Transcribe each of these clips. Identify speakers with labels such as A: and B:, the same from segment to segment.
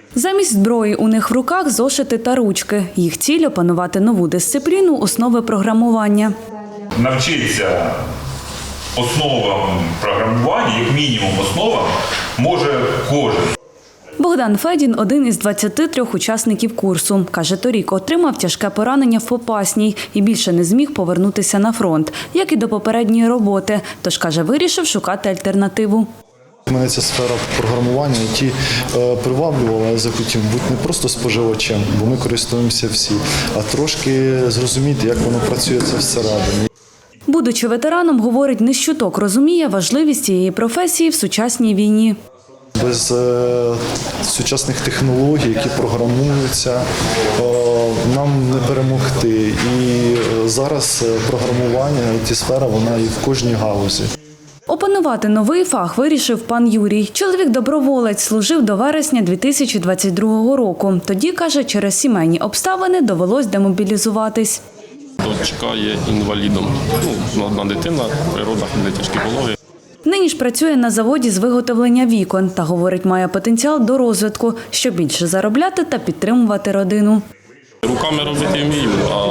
A: Замість зброї у них в руках зошити та ручки. Їх ціль – опанувати нову дисципліну – основи програмування.
B: Навчитися основам програмування, як мінімум основам, може кожен.
A: Богдан Федін – один із 23 учасників курсу. Каже, торік отримав тяжке поранення в Попасній і більше не зміг повернутися на фронт, як і до попередньої роботи. Тож, каже, вирішив шукати альтернативу.
C: Мене ця сфера програмування, які приваблювала, я захотів бути не просто споживачем, бо ми користуємося всі, а трошки зрозуміти, як воно працює це всередині.
A: Будучи ветераном, говорить, не щуток розуміє важливість цієї професії в сучасній війні.
C: Без сучасних технологій, які програмуються, нам не перемогти. І зараз програмування, IT-сфера, вона і в кожній галузі.
A: Опанувати новий фах вирішив пан Юрій. Чоловік-доброволець служив до вересня 2022 року. Тоді, каже, через сімейні обставини довелось демобілізуватись.
D: Дочка є інвалідом. Одна дитина, природа, де тяжкі пологи.
A: Нині ж працює на заводі з виготовлення вікон та, говорить, має потенціал до розвитку, щоб більше заробляти та підтримувати родину.
D: Руками робити вмію,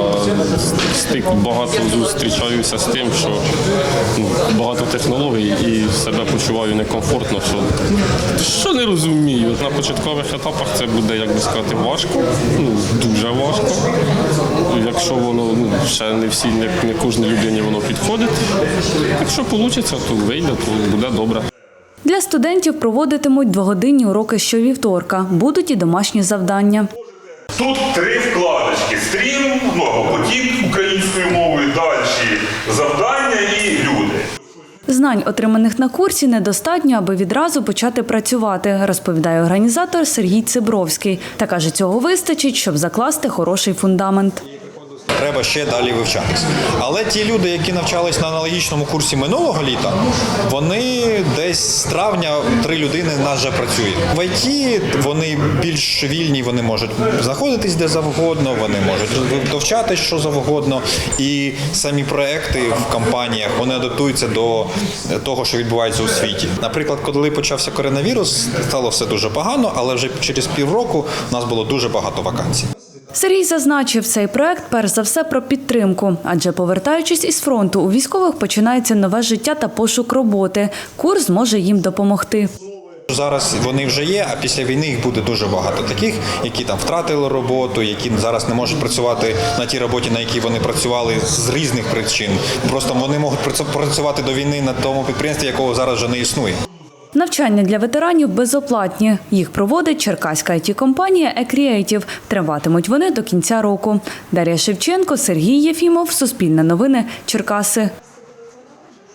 D: а багато зустрічаюся з тим, що багато технологій і себе почуваю некомфортно, що не розумію. На початкових етапах це буде, як би сказати, важко, дуже важко. Якщо воно ще не всі, не кожній людині воно підходить. Якщо вийде, то вийде, то буде добре.
A: Для студентів проводитимуть двогодинні уроки щовівторка. Будуть і домашні завдання.
B: Тут 3 вкладочки – стрім, або потік українською мовою, далі завдання і люди.
A: Знань, отриманих на курсі, недостатньо, аби відразу почати працювати, розповідає організатор Сергій Цибровський. Та каже, цього вистачить, щоб закласти хороший фундамент.
E: Треба ще далі вивчатись. Але ті люди, які навчались на аналогічному курсі минулого літа, вони десь з травня 3 людини в нас вже працюють. В ІТ вони більш вільні, вони можуть знаходитись де завгодно, вони можуть довчати що завгодно. І самі проекти в компаніях, вони адаптуються до того, що відбувається у світі. Наприклад, коли почався коронавірус, стало все дуже погано, але вже через півроку у нас було дуже багато вакансій.
A: Сергій зазначив, цей проект перш за все про підтримку, адже повертаючись із фронту, у військових починається нове життя та пошук роботи. Курс зможе їм допомогти.
E: Зараз вони вже є, а після війни їх буде дуже багато таких, які там втратили роботу, які зараз не можуть працювати на тій роботі, на якій вони працювали з різних причин. Просто вони можуть працювати до війни на тому підприємстві, якого зараз вже не існує.
A: Навчання для ветеранів безоплатні. Їх проводить черкаська IT-компанія «Екріейтів». Триватимуть вони до кінця року. Дар'я Шевченко, Сергій Єфімов, Суспільне новини, Черкаси.